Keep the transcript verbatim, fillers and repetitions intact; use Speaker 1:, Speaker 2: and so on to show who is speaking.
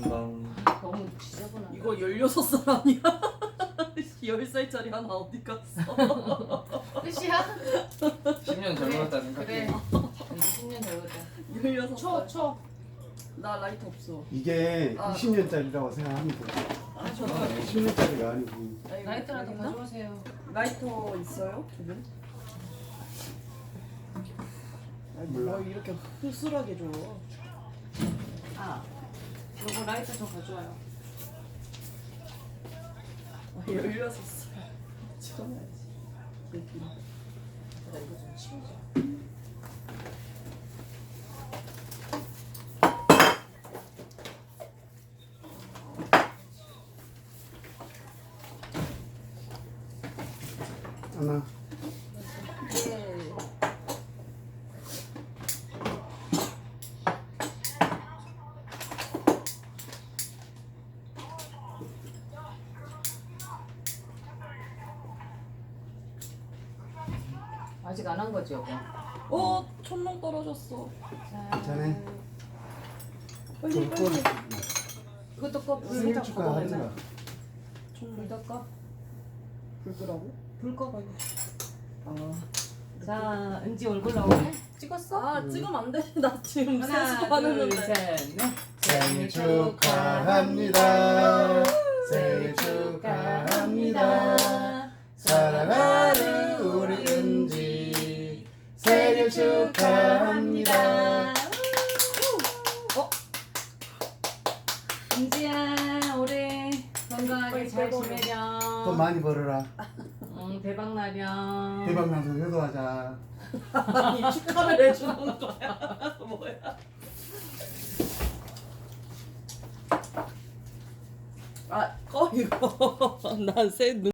Speaker 1: 건강.
Speaker 2: 너무 지저분하다.
Speaker 3: 이거 열여섯 살 아니야? 열 살짜리 하나 어디 갔어?
Speaker 2: 끝이야?
Speaker 1: 십 년 젊었다 생각해.
Speaker 2: 그래. 이제 십 년 되거든.
Speaker 3: 열여섯
Speaker 2: 초,
Speaker 3: 살.
Speaker 2: 초.
Speaker 3: 나 라이트 없어.
Speaker 4: 이게
Speaker 3: 아.
Speaker 4: 이십 년짜리라고 생각하면 돼.
Speaker 3: 아, 저도
Speaker 4: 십 년짜리가 아니고.
Speaker 2: 라이트라도 가져오세요.
Speaker 3: 라이터 있어요? 두 분? 아니,
Speaker 4: 몰라.
Speaker 3: 뭐 이렇게 흐슬하게 줘.
Speaker 2: 아, 요거 라이터 좀 가져와요.
Speaker 3: 아, 열여섯 살. 찍어놔야지. 느낌.
Speaker 2: 나 이거 좀 치우자.
Speaker 4: 하나.
Speaker 3: 네.
Speaker 2: 아직 안 한 거지, 여보?
Speaker 3: 어, 천명 떨어졌어.
Speaker 4: 자네.
Speaker 3: 빨리
Speaker 4: 좀
Speaker 3: 빨리.
Speaker 4: 꺼내.
Speaker 2: 이것도 꺼. 불
Speaker 4: 생일
Speaker 2: 다
Speaker 4: 축하하지
Speaker 2: 꺼.
Speaker 4: 마.
Speaker 2: 불도 꺼.
Speaker 3: 불 끄라고?
Speaker 2: 불 꺼.
Speaker 3: 아,
Speaker 2: 자, 은지 얼굴 나오네? 찍었어?
Speaker 3: 아 찍으면 안 돼. 나 지금
Speaker 2: 하나,
Speaker 3: 세수도 안
Speaker 2: 둘,
Speaker 3: 했는데.
Speaker 2: 셋, 넷.
Speaker 4: 생일 축하합니다. 생일 축하합니다. 사랑하는 우리 은지 생일 축하합니다.
Speaker 2: 어? 은지야, 올해 건강하게 잘
Speaker 3: 빼버려.
Speaker 2: 지내렴.
Speaker 4: 돈 많이 벌어라.
Speaker 2: 응, 대박 나렴.
Speaker 4: 대박 나서 효도하자.
Speaker 3: 아니 축하를 해주는 거야. 뭐야? 아, 꺼 이거. 난새 눈.